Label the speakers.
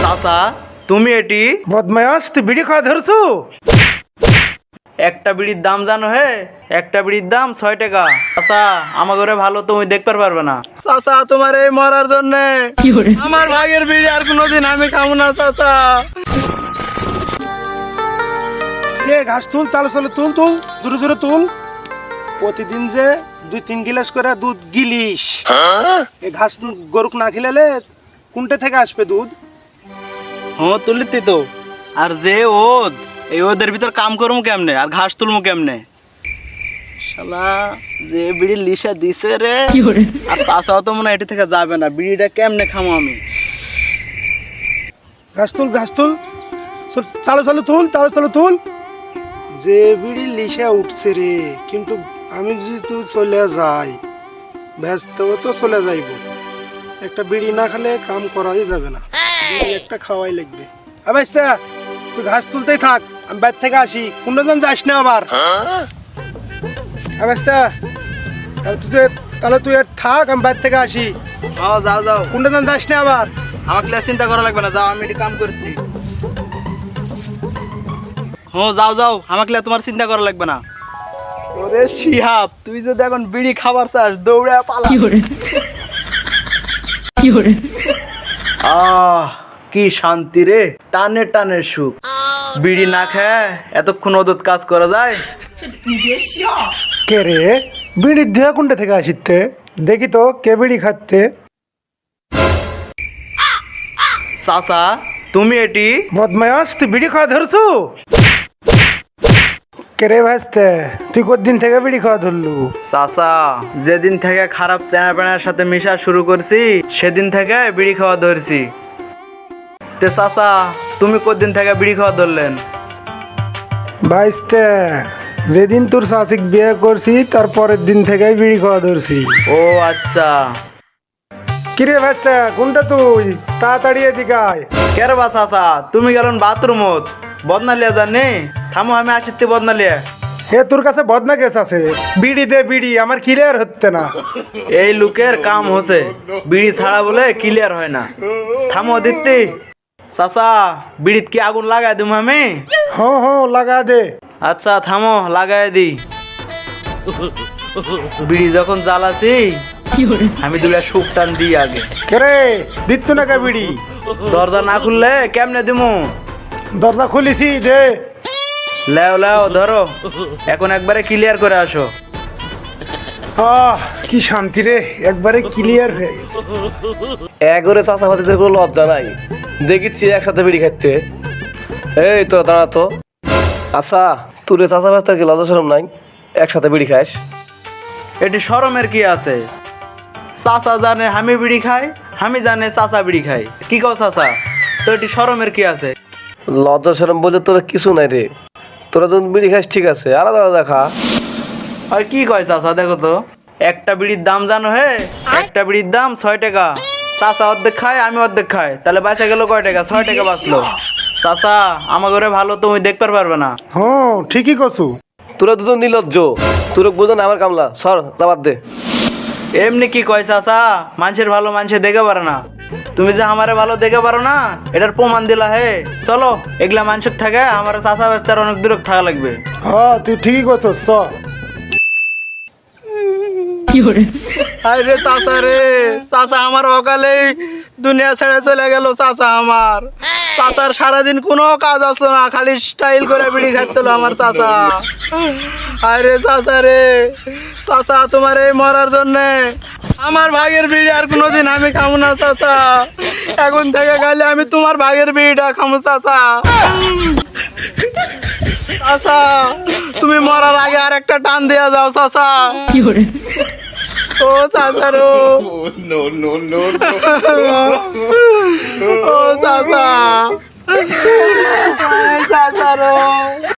Speaker 1: চাচা তুমি এটি
Speaker 2: বদমায়াস তুই বিড়ি খাওয়া ধরছু?
Speaker 1: একটা বিড়ির দাম জানো হে? একটা বিড়ির দাম 6 টাকা। চাচা আমার ঘরে ভালো তুমি দেখতে পারবে না। চাচা তোমার এই মরার জন্য আমার ভাগের বিড়ি আর কোনোদিন আমি খাবো না চাচা।
Speaker 2: ঘাস তুল, চালো চালো, তুল তুল, জোরে জোরে তুল। প্রতিদিন যে 2-3 গিলাস করে দুধ গিলিস, এই ঘাস গরুক না খিলালে কোনটা থেকে আসবে দুধ?
Speaker 1: হ্যাঁ তুলিতি তো। আর যে ওদ, এই ওদের ভিতর কাম করবো কেমনে আর ঘাস তুলবো কেমনে? শালা যে বিড়ি লিসা দিছে রে। আর চাচাও তো মনে হয় এটি থেকে যাবে না। বিড়িটা কেমনে খামো আমি?
Speaker 2: ঘাস তুল, ঘাস তুল, চালো চালো তুল, চালো চালো তুল। যে বিড়ি লিসা উঠছে রে, কিন্তু আমি যদি চলে যাই ব্যস্ত তো চলে যাইব। একটা বিড়ি না খেলে কাম করাই যাবে না, বিড়ি একটা খাওয়াই লাগবে। আবাইস্তা তুই ঘাস তুলতেই থাক, আমি বাইর থেকে আসি, কোনজন যাস না আবার। আবাইস্তা তাহলে তুই থাক, আমি বাইর থেকে আসি।
Speaker 1: হ্যাঁ যাও যাও,
Speaker 2: কোনজন যাস না আবার।
Speaker 1: আমাকে চিন্তা করা লাগবে না, যাও আমি এটি কাম করছি। হ্যাঁ যাও যাও, আমাকে তোমার চিন্তা করা লাগবে না। ওরে শিহাব, তুই যদি এখন বিড়ি খাবার চাস দৌড়ে পালা। কি শান্তি রে, টানে টানে সুখ। বিড়ি না খায় এতক্ষণ ওদত কাজ করা যায়?
Speaker 2: কে রে বিড়ির ধোয়া কোনটা থেকে আসিতে? দেখি তো কে বিড়ি খাচ্ছে।
Speaker 1: চাচা তুমি এটি
Speaker 2: বদমায়াস তুই বিড়ি খাওয়া ধরছু? কে রে ভাসতে, তুই কতদিন থেকে বিড়ি খাওয়া ধরলু?
Speaker 1: চাচা যেদিন থেকে খারাপ চেনা পেনার সাথে মিশা শুরু করছি সেদিন থেকে বিড়ি খাওয়া ধরছি। তে চাচা তুমি কতদিন থেকে বিড়ি খাওয়া ধরলেন?
Speaker 2: ভাইস্তে যেদিন তোর শাসিক বিয়ে করছি তার পরের দিন থেকেই বিড়ি খাওয়া ধরছি।
Speaker 1: ও আচ্ছা।
Speaker 2: কিরে ভাইস্তে কোনটা তুই? তাড়াতাড়ি এদিকে আয়।
Speaker 1: কেরে বা চাচা তুমি গেলেন বাথরুমত বদনালিয়া জানি? থামো আমি আসিতে বদনালিয়া।
Speaker 2: হে তোর কাছে বদনা কেস আছে? বিড়ি দে বিড়ি, আমার ক্লিয়ার হচ্ছে না।
Speaker 1: এই লোকের কাম হচ্ছে বিড়ি ছাড়া বলে ক্লিয়ার হয় না। থামো দিত্তি। চাচা বিড়িত কি আগুন লাগাই দিম আমি?
Speaker 2: হ্যাঁ লাগা দে।
Speaker 1: আচ্ছা থামো লাগাই দি। বিড়ি যখন জ্বালাছি আমি দুলা সুখ টান দিই আগে।
Speaker 2: কেরে দিত না কে বিড়ি?
Speaker 1: দরজা না খুললে কেমনে দিমু?
Speaker 2: দরজা খুলিছি দে।
Speaker 1: লেও লেও ধরো, এখন একবারে ক্লিয়ার করে আসো।
Speaker 2: কি শান্তি রে, একবারে ক্লিয়ার হয়ে গেছে।
Speaker 3: একবারে চাষা ভাতিদের কোনো লজ্জা নাই, দেখিচ্ছি একসাথে বিড়ি খাইতে। এই তোরা দাঁড়া তো। আচ্ছা তোর চাষা ভাস্তার কি লজ্জা শরম নাই? একসাথে বিড়ি খাস?
Speaker 1: এটি শরমের কি আছে? চাচা জানে আমি বিড়ি খাই, আমি জানে চাচা বিড়ি খাই। কি কও চাচা, তো এটি শরমের কি আছে?
Speaker 3: লজ্জা শরম বলতে তোরা কিছু নাই রে। তোরা যখন বিড়ি খাস ঠিক আছে, আলাদা আলাদা খা।
Speaker 1: আর কি কয় চাচা, দেখো তো একটা বিড়ির দাম জানো হে? একটা বিড়ির দাম 6 টাকা। চাচা অর্ধেক খায় আমি অর্ধেক খাই, তাহলে বাঁচা গেল কয় টাকা? 6 টাকা বাঁচলো। চাচা আমার ঘরে ভালো তুমি দেখতে পারবে না।
Speaker 2: হ্যাঁ ঠিকই কছু।
Speaker 3: তোরা দুজন নির্লজ্জ, তোরা বোঝো না আমার কামলা। সর যাবার দে।
Speaker 1: এমনি কি কয় চাচা, মানুষের ভালো মানুষে দেখে পারে না। তুমি যে আমারে ভালো দেখে পারো না এটার প্রমাণ দিলা হে। চলো এগুলা মানুষের থাকে আমার চাচা ব্যস্তার অনেক দূরে থাকা লাগবে।
Speaker 2: হ্যাঁ তুই ঠিকই কছস।
Speaker 1: আরে চাচা রে, চাচা আমার অকালে দুনিয়া ছেড়ে চলে গেল। চাচা আমার, চাচার সারাদিন কোনো কাজ আসলো না, খালি স্টাইল করে বিড়ি খাইতে আমার চাচা। আরে চাচা রে, চাচা তোমার এই মরার জন্য আমার ভাগের বিড়ি আর কোনোদিন আমি খাবো না চাচা। এখন থেকে গেলে আমি তোমার ভাগের বিড়িটা খাবো চাচা। চাচা তুমি মরার আগে আর একটা টান দিয়া যাও চাচা। ও চাচা রো, ও চাচা, চাচা রো।